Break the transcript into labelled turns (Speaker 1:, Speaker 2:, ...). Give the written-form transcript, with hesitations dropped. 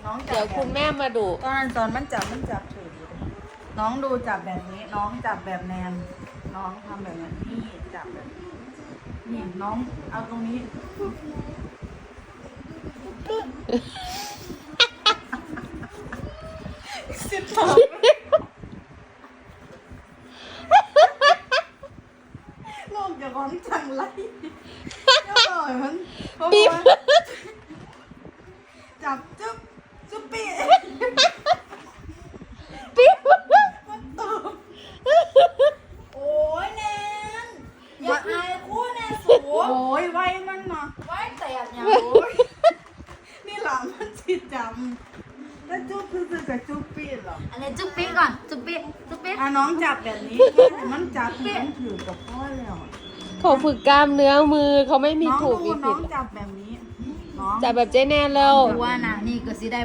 Speaker 1: น้องจับ
Speaker 2: เดี๋ยวคุณแม่มาดู
Speaker 1: ตอนมันจับถือน้องดูจับแบบนี้ น้องจับแบบแนนน้องทำแบบนี้นี่จับแบบนี้นี่น้องเอาตรงนี้สิบสองลูกอย่าร้องจังไรอย่าปล่อยมันเพราะว่าจับจุ๊บจุ๊บปี
Speaker 2: ปิ๊บ
Speaker 1: มันตบโอ้ยแนนอย่าอายคู่แนนสูโอ้ยไว้มันมาไว้แต่อย่างโอ้ยนี่หลานมันจิตจำแล้วจุ๊บคือจะจุ๊บปีเหรอ
Speaker 3: อันนี้จุ๊บปิ๊กก่อนจุ๊บปิ๊กจุ๊บปิ๊ก
Speaker 1: อ่ะน้องจับแบบนี้ให้มันจับมันถือกับพ่อแล้ว
Speaker 2: เขาฝึกกล้ามเนื้อมือเขาไม่มี
Speaker 1: น้อง
Speaker 2: ถูก
Speaker 1: ดู
Speaker 2: มี
Speaker 1: น้
Speaker 2: ผิ
Speaker 1: อ
Speaker 2: ด
Speaker 1: งจับแบบนี้น้อง
Speaker 2: จับแบบเจ๊แนนแล้ว
Speaker 3: ว่านะนี่ก็สิได้